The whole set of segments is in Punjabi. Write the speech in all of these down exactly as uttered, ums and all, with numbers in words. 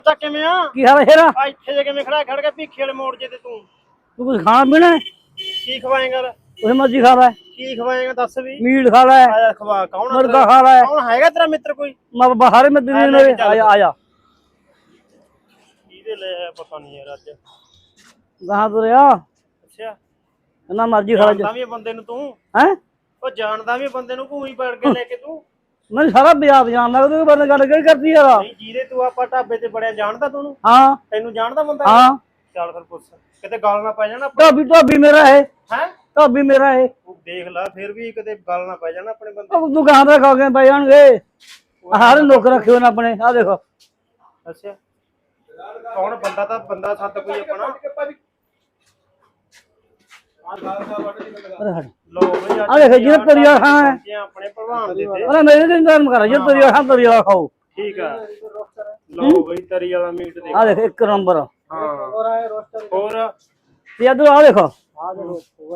ਤਾਂ ਕਿਵੇਂ ਆ ਕੀ ਹਾਲ ਹੈ ਸ਼ੇਰਾ? ਆ ਇੱਥੇ ਜੇ ਕਿਵੇਂ ਖੜਾ ਖੜ ਕੇ ਭੀਖੇ ਵਾਲੇ ਮੋੜ ਜੇ ਤੇ ਤੂੰ ਤੂੰ ਕੁਝ ਖਾਣਾ ਪੀਣਾ? ਕੀ ਖਵਾਏਂਗਾ? ਉਹ ਮਰਜ਼ੀ ਖਾ ਲੈ। ਕੀ ਖਵਾਏਂਗਾ ਦੱਸ ਵੀ। ਮੀਟ ਖਾ ਲੈ, ਆਇਆ ਖਵਾ। ਕੌਣ ਮੁਰਗਾ ਖਾ ਲੈ। ਕੌਣ ਹੈਗਾ ਤੇਰਾ ਮਿੱਤਰ ਕੋਈ? ਮੈਂ ਬਾਹਰ ਮੈਂ ਦਿੱਲੀ ਮੇਰੇ ਆ ਜਾ ਆ ਜਾ। ਇਹਦੇ ਲੈ ਪਤਾ ਨਹੀਂ ਯਾਰ ਅੱਜ ਗਾਹਾਂ ਤੁਰਿਆ। ਅੱਛਾ ਨਾ ਮਰਜ਼ੀ ਖਾ ਲੈ। ਜਾਣਦਾ ਵੀ ਬੰਦੇ ਨੂੰ ਤੂੰ ਹੈ? ਉਹ ਜਾਣਦਾ ਵੀ ਬੰਦੇ ਨੂੰ ਘੂਈ ਪੜ ਕੇ ਲੈ ਕੇ ਤੂੰ। ਮੈਨੂੰ ਸਾਰਾ ਬਾਜ਼ਾਰ ਜਾਣਦਾ। ਤੂੰ ਬੰਦੇ ਗੱਲ ਕਿਹੜੀ ਕਰਦੀ ਯਾਰ? ਨਹੀਂ ਜਿਹਦੇ ਤੂੰ ਆਪਾਂ ਢਾਬੇ ਤੇ ਬੜਿਆ ਜਾਣਦਾ ਤੂੰ? ਹਾਂ ਤੈਨੂੰ ਜਾਣਦਾ ਬੰਦਾ? ਹਾਂ। ਚੱਲ ਫਿਰ ਪੁੱਛ, ਕਿਤੇ ਗੱਲ ਨਾ ਪੈ ਜਾਣਾ। ਢਾਬੀ ਢਾਬੀ ਮੇਰਾ ਹੈ। ਹੈ ਢਾਬੀ ਮੇਰਾ ਹੈ। ਤੂੰ ਦੇਖ ਲੈ ਫਿਰ ਵੀ ਕਿਤੇ ਗੱਲ ਨਾ ਪੈ ਜਾਣਾ ਆਪਣੇ ਬੰਦੇ। ਉਹ ਤੂੰ ਗਾਹਾਂ ਦਾ ਖਾ ਕੇ ਪੈ ਜਾਣਗੇ। ਹਰ ਲੋਕ ਰੱਖੇ ਹੋਣ ਆਪਣੇ। ਆ ਦੇਖੋ। ਅੱਛਾ ਕੌਣ ਬੰਦਾ? ਤਾਂ ਬੰਦਾ ਸੱਤ ਕੋਈ ਆਪਣਾ। ਲੋ ਬਈ ਆ ਦੇਖ ਜਿਹਨੇ ਤਰੀਆ ਖਾਣਾ ਹੈ ਆਪਣੇ ਭਲਵਾਨ ਦੇ ਤੇ। ਅਰੇ ਮੇਰੇ ਦਿਨ ਧਰਮ ਕਰ ਜਿਹਨੇ ਤਰੀਆ ਖਾਣਾ ਤਰੀਆ ਖਾਓ। ਠੀਕ ਆ ਲੋ ਬਈ ਤਰੀ ਵਾਲਾ ਮੀਟ ਦੇਖ। ਆ ਦੇਖ ਇੱਕ ਨੰਬਰ। ਹਾਂ ਹੋਰ ਤੇ ਇਧਰ ਆ ਦੇਖੋ। ਆ ਦੇਖੋ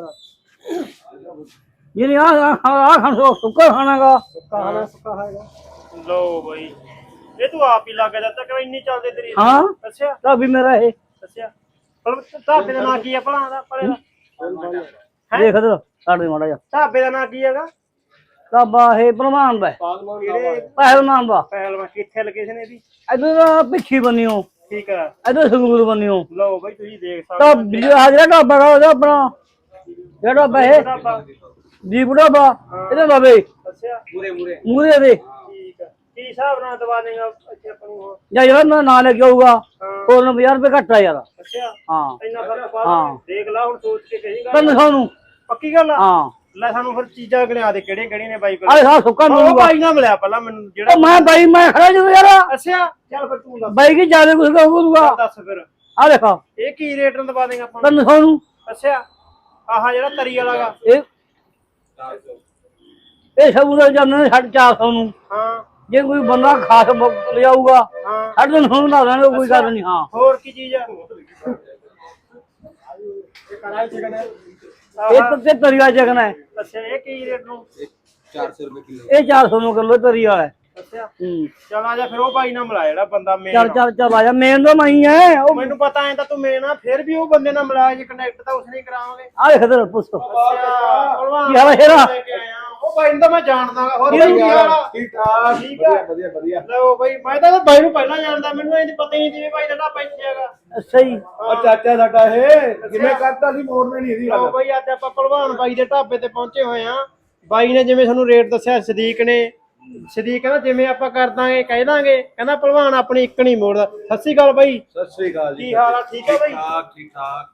ਜਿਹਨੇ ਆ ਆ ਖਾਣਾ ਸੁੱਕਾ ਖਾਣਾਗਾ। ਸੁੱਕਾ ਖਾਣਾ ਸੁੱਕਾ ਖਾਏਗਾ। ਲੋ ਬਈ ਇਹ ਤੂੰ ਆਪ ਹੀ ਲੱਗ ਜਾਂਦਾ ਕਿ ਇੰਨੀ ਚੱਲਦੇ ਤੇਰੀ। ਹਾਂ ਅੱਛਾ ਢਾਬੀ ਮੇਰਾ ਇਹ। ਅੱਛਾ ਪਰ ਢਾਬੇ ਦਾ ਨਾਂ ਕੀ ਆ ਭਲਾ ਦਾ ਪਰੇ ਦਾ? ਦੇਖ ਇਧਰ ਸਾਡੇ ਮਾੜਾ ਜਾ। ਢਾਬੇ ਦਾ ਨਾਂ ਕੀ ਹੈਗਾ? ਢਾਬਾ ਇਹ ਪ੍ਰਮਾਨ ਦਾ ਕਿਹੜੇ ਪਹਿਲਵਾਨ ਦਾ। ਪਹਿਲਵਾਨ ਕਿੱਥੇ ਲੋਕੇਸ਼ਨ ਇਹਦੀ? ਇਧਰ ਪਿੱਛੀ ਬੰਨਿਓ। ਠੀਕ ਆ ਇਧਰ ਸੰਗੂਰ ਬੰਨਿਓ। ਲਓ ਬਈ ਤੁਸੀਂ ਦੇਖ ਸਕਦੇ ਢਾਬੀ ਆ ਜਿਹੜਾ ਢਾਬਾ ਦਾ ਉਹਦਾ ਆਪਣਾ ਜਿਹੜਾ ਢਾਬਾ ਇਹ ਦੀਪ ਢਾਬਾ ਇਹਦੇ ਬਾਬੇ। ਅੱਛਾ ਮੂਰੇ ਮੂਰੇ ਮੂਰੇ ਦੇ। ਠੀਕ ਆ ਕੀ ਹਿਸਾਬ ਨਾਲ ਦਵਾ ਦੇਗਾ ਇੱਥੇ ਆਪਾਂ ਨੂੰ? ਜਾਂ ਯਾਰ ਨਾ ਨਾਂ ਲੈ ਕੇ ਆਊਗਾ ਹੋਰ ਪੰਜਾਹ ਰੁਪਏ ਘੱਟ ਆ ਯਾਰ। ਅੱਛਾ ਹਾਂ ਇੰਨਾ ਫਰਕ ਪਾ ਹਾਂ। ਦੇਖ ਲਾ ਹੁਣ ਸੋਚ ਕੇ ਕਹੇਗਾ ਤੈਨੂੰ ਸਾਨੂੰ ਪੱਕੀ ਗੱਲ ਆ। ਹਾਂ ਲੈ ਸਾਨੂੰ ਫਿਰ ਚੀਜ਼ਾਂ ਗਿਣਾ ਦੇ ਕਿਹੜੀਆਂ ਕਿਹੜੀਆਂ ਨੇ ਬਾਈ ਕੋਲ। ਆਹ ਸਾ ਸੁੱਕਾ ਉਹ ਮਿਲੂਗਾ। ਬਾਈ ਨਾ ਮਿਲਿਆ ਪਹਿਲਾਂ ਮੈਨੂੰ ਜਿਹੜਾ। ਉਹ ਮੈਂ ਬਾਈ ਮੈਂ ਖੜਾ ਜਦੋਂ ਯਾਰ। ਅੱਛਾ ਚੱਲ ਫਿਰ ਤੂੰ ਦੱਸ। ਬਾਈ ਕੀ ਜਿਆਦਾ ਕੁਝ ਕਹੂਗਾ। ਦੱਸ ਫਿਰ ਆ ਦੇਖੋ ਇਹ ਕੀ ਰੇਟ ਨਾਲ ਦਵਾ ਦੇਗਾ ਆਪਾਂ ਨੂੰ? ਤੈਨੂੰ ਸਾਨੂੰ ਅੱਛਾ ਆਹ ਜਿਹੜਾ ਤਰੀ ਵਾਲਾ ਗਾ ਇਹ ਇਹ ਸਭ ਦਾ ਜਾਂਦੇ ਸਾਢੇ ਚਾਰ ਸੌ ਨੂੰ। ਹਾਂ ਜੇ ਕੋਈ ਬੰਦਾ ਖਾਸ ਲਿਆਊਗਾ ਹਾਂ ਸਾਢੇ ਤਿੰਨ ਸੌ ਨੂੰ ਲਾ ਦਾਂਗੇ ਕੋਈ ਗੱਲ ਨਹੀਂ। ਹਾਂ ਹੋਰ ਕੀ ਚੀਜ਼ ਆ? ਇਹ ਤੇ ਤਰੀਆ ਚਕਨਾ ਹੈ। ਅੱਛਾ ਇਹ ਕੀ ਰੇਟ ਨੂੰ? चार सौ रुपए किलो। ਇਹ ਚਾਰ ਸੌ ਨੂੰ ਕਿਲੋ ਤਰੀਆ ਹੈ। ਅੱਛਾ ਹੂੰ ਚੱਲ ਆ ਜਾ ਫਿਰ ਉਹ ਬਾਈ ਨਾਲ ਮਿਲਾ ਜਿਹੜਾ ਬੰਦਾ ਮੇਨ। ਚੱਲ ਚੱਲ ਚੱਲ ਆ ਜਾ। ਮੇਨ ਤਾਂ ਮੈਂ ਹੀ ਹੈ। ਉਹ ਮੈਨੂੰ ਪਤਾ ਐ ਤਾਂ ਤੂੰ ਮੇਨ ਆ ਫਿਰ ਵੀ ਉਹ ਬੰਦੇ ਨਾਲ ਮਿਲਾ ਜੇ ਕਨੈਕਟ ਤਾਂ ਉਸਨੇ ਕਰਾਵਾਂਗੇ। ਆ ਦੇਖ ਇਧਰ ਪੁੱਛ। ਅੱਛਾ ਭਲਵਾਨ ਕੀ ਹਾਲ ਹੈ ਸ਼ੇਰਾ? ਲੈ ਕੇ ਆਇਆ। ਉਹ ਬਾਈ ਨੂੰ ਤਾਂ ਮੈਂ ਜਾਣਦਾ ਗਾ। ਹੋਰ ਬਾਈ ਕੀ ਹਾਲ ਆ? ठीक ठाक ਠੀਕ ਆ बढ़िया बढ़िया। ਲਓ ਬਾਈ ਮੈਂ ਤਾਂ ਬਾਈ ਨੂੰ ਪਹਿਲਾਂ ਜਾਣਦਾ। ਮੈਨੂੰ ਇਹ ਪਤਾ ਹੀ ਨਹੀਂ ਜਿਵੇਂ ਬਾਈ ਦਾ ਢਾਬਾ ਇੱਥੇ ਹੈਗਾ। ਅੱਛਾ ਜੀ। और चाचा साडा है जिन्हें करता सी मोड़ने नहीं दी ਲਓ गल। ਬਾਈ ਅੱਜ ਆਪਾਂ ਭਲਵਾਨ ਬਾਈ ਦੇ ਢਾਬੇ ਤੇ ਪਹੁੰਚੇ ਹੋਏ ਆ। ਬਾਈ ਨੇ ਜਿਵੇਂ ਸਾਨੂੰ ਰੇਟ ਦੱਸਿਆ ਸਦੀਕ ਨੇ ਸਦੀਕ ਕਹਿੰਦਾ ਜਿਵੇਂ ਆਪਾਂ ਕਰ ਦਾਂਗੇ ਕਹਿ ਦਾਂਗੇ। ਕਹਿੰਦਾ ਭਲਵਾਨ ਆਪਣੀ ਇੱਕ ਨਹੀਂ ਮੋੜਦਾ। ਸਤਿ ਸ਼੍ਰੀ ਅਕਾਲ ਬਾਈ। सत श्री अकाल ਕੀ ਹਾਲ ਆ? ਠੀਕ ਆ ਬਾਈ? ठीक ठीक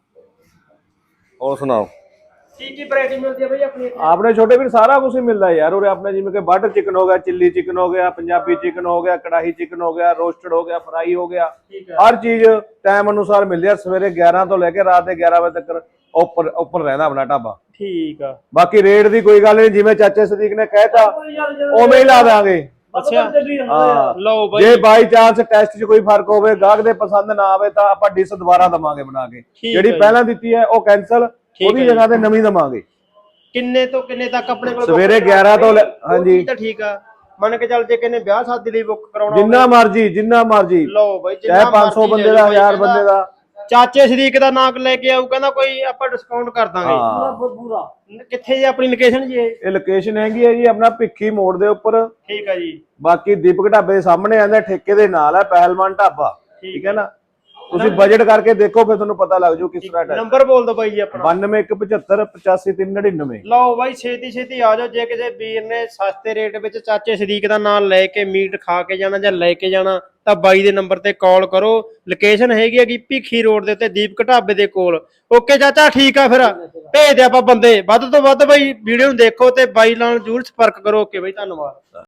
ठाक। और सुनाओ ਕੀ ਕੀ ਵੈਰਾਈਟੀ ਮਿਲਦੀ ਆ ਬਾਈ ਆਪਣੀ ਇੱਥੇ? आपने छोटे भी सारा कुछ ही मिलता है यार। और अपने जिम्मे के बटर चिकन हो गया, चिल्ली चिकन हो गया, पंजाबी चिकन हो गया, कड़ाही चिकन हो गया, रोस्टेड हो गया, फ्राई हो गया। ਠੀਕ ਆ हर चीज टाइम अनुसार मिल जाए। सवेरे ग्यारह तो लेके रात के ग्यारह बजे तक ऊपर ऊपर रहना अपना ढाबा। ਠੀਕ ਆ बाकी रेट की कोई गल नहीं। जिवें चाचे सदीक ने कहता उवें ही ला देंगे। ਅੱਛਾ हाँ ਲਓ ਬਾਈ ਜੇ ਬਾਈ ਚਾਂਸ ਟੈਸਟ 'ਚ ਕੋਈ ਫਰਕ ਹੋਵੇ, ਗਾਹਕ ਦੇ ਪਸੰਦ ਨਾ ਆਵੇ ਤਾਂ ਆਪਾਂ ਡਿਸ਼ ਦੁਬਾਰਾ ਦਵਾਂਗੇ ਬਣਾ ਕੇ। ਠੀਕ ਜਿਹੜੀ ਹੈ ਪਹਿਲਾਂ ਦਿੱਤੀ ਹੈ ਉਹ ਕੈਨਸਲ, ਉਹਦੀ ਹੈ ਜਗ੍ਹਾ ਤੇ ਨਵੀਂ ਦਵਾਂਗੇ। ਕਿੰਨੇ ਤੋਂ ਕਿੰਨੇ ਤੱਕ ਆਪਣੇ ਕੋਲ ਸਵੇਰੇ ਗਿਆਰਾਂ ਤੋਂ ਲੈ- ਹਾਂਜੀ ਤਾਂ ਠੀਕ ਆ। ਮੰਨ ਕੇ ਚੱਲ ਜੇ ਕਿੰਨੇ ਵਿਆਹ ਸ਼ਾਦੀ ਲਈ ਬੁੱਕ ਕਰਾਉਣਾ ਜਿੰਨਾ ਮਰਜੀ ਜਿੰਨਾ ਮਰਜੀ ਲਓ ਬਾਈ ਚਾਹੇ ਪੰਜ ਸੌ ਬੰਦੇ ਦਾ, ਹਜ਼ਾਰ ਬੰਦੇ ਦਾ। ਚਾਚੇ ਸ਼ਰੀਕ ਦਾ ਨਾਮ ਲੈ ਕੇ ਆਊ ਕਹਿੰਦਾ ਕੋਈ ਆਪਾਂ ਡਿਸਕਾਊਂਟ ਕਰ ਦਾਂਗੇ। ਹਾਂ ਪੂਰਾ ਕਿੱਥੇ ਜੀ ਆਪਣੀ ਲੋਕੇਸ਼ਨ ਜੀ ਇਹ? ਇਹ ਲੋਕੇਸ਼ਨ ਹੈਗੀ ਹੈ ਜੀ ਆਪਣਾ ਭਿੱਖੀ ਮੋੜ ਦੇ ਉੱਪਰ। ਠੀਕ ਆ ਜੀ। ਬਾਕੀ ਦੀਪਕ ਢਾਬੇ ਦੇ ਸਾਹਮਣੇ ਆਂਦਾ ਠੇਕੇ ਦੇ ਨਾਲ ਹੈ ਪਹਿਲਵਾਨ ਢਾਬਾ। ਠੀਕ ਹੈ ਨਾ। ਤੁਸੀਂ ਬਜਟ ਕਰਕੇ ਦੇਖੋ ਫਿਰ ਤੁਹਾਨੂੰ ਪਤਾ ਲੱਗ ਜੂ ਕਿਸ ਤਰ੍ਹਾਂ ਦਾ। ਨੰਬਰ ਬੋਲ ਦਿਓ ਬਾਈ ਜੀ ਆਪਣਾ। ਬਾਨਵੇਂ ਇੱਕ ਪਝੱਤਰ ਪਚਾਸੀ ਤਿੰਨ ਨੜਿਨਵੇਂ। ਲਓ ਬਾਈ ਛੇਤੀ ਛੇਤੀ ਆ ਜਾਓ। ਜੇ ਕਿਸੇ ਵੀਰ ਨੇ ਸਸਤੇ ਰੇਟ ਵਿੱਚ ਚਾਚੇ ਸ਼ਰੀਕ ਦਾ ਨਾਮ ਲੈ ਕੇ ਮੀਟ ਖਾ ਕੇ ਜਾਣਾ ਜਾਂ ਲੈ ਕੇ ਜਾਣਾ ਤਾਂ ਬਾਈ ਦੇ ਨੰਬਰ ਤੇ ਕਾਲ ਕਰੋ। ਲੋਕੇਸ਼ਨ ਹੈਗੀ ਹੈਗੀ ਭਿੱਖੀ ਰੋਡ ਦੇ ਉੱਤੇ ਦੀਪਕ ਢਾਬੇ ਦੇ ਕੋਲ। ਓਕੇ ਚਾਚਾ ਠੀਕ ਆ ਫਿਰ ਭੇਜ ਦੇ ਆਪਾਂ ਬੰਦੇ ਵੱਧ ਤੋਂ ਵੱਧ ਬਾਈ। ਵੀਡੀਓ ਨੂੰ ਦੇਖੋ ਤੇ ਬਾਈ ਨਾਲ ਜ਼ਰੂਰ ਸੰਪਰਕ ਕਰੋ। ਓਕੇ ਬਾਈ ਧੰਨਵਾਦ।